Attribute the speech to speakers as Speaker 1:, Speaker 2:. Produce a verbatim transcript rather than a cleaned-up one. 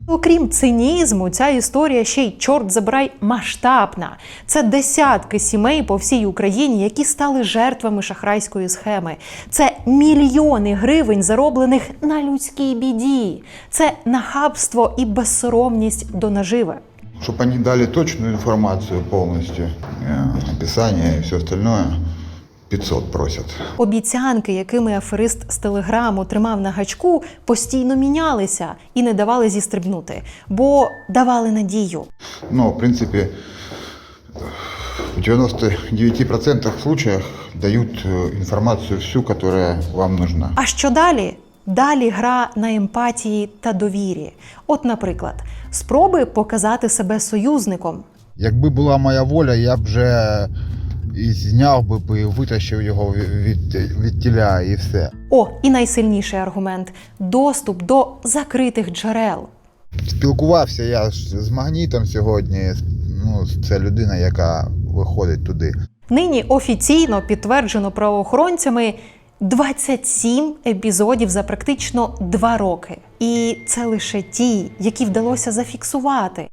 Speaker 1: Окрім цинізму, ця історія ще й, чорт забирай, масштабна. Це десятки сімей по всій Україні, які стали жертвами шахрайської схеми. Це мільйони гривень, зароблених на людській біді. Це нахабство і безсоромність до наживи.
Speaker 2: Чтобы они дали точную информацию полностью, э, описание и все остальное, пятьсот просят.
Speaker 1: Обіцянки, якими аферист з Телеграму тримав на гачку, постійно мінялися і не давали зістрибнути, бо давали надію.
Speaker 2: Но, в принципе, в девяноста девяти процентах случаев дают э, информацию всю, которая вам нужна.
Speaker 1: А що далі? Далі гра на емпатії та довірі. От, наприклад, спроби показати себе союзником.
Speaker 3: Якби була моя воля, я б вже і зняв би, і витащив його від, від тіля і все.
Speaker 1: О, і найсильніший аргумент – доступ до закритих джерел.
Speaker 3: Спілкувався я з магнітом сьогодні, ну, це людина, яка виходить туди.
Speaker 1: Нині офіційно підтверджено правоохоронцями двадцять сім епізодів за практично два роки. І це лише ті, які вдалося зафіксувати.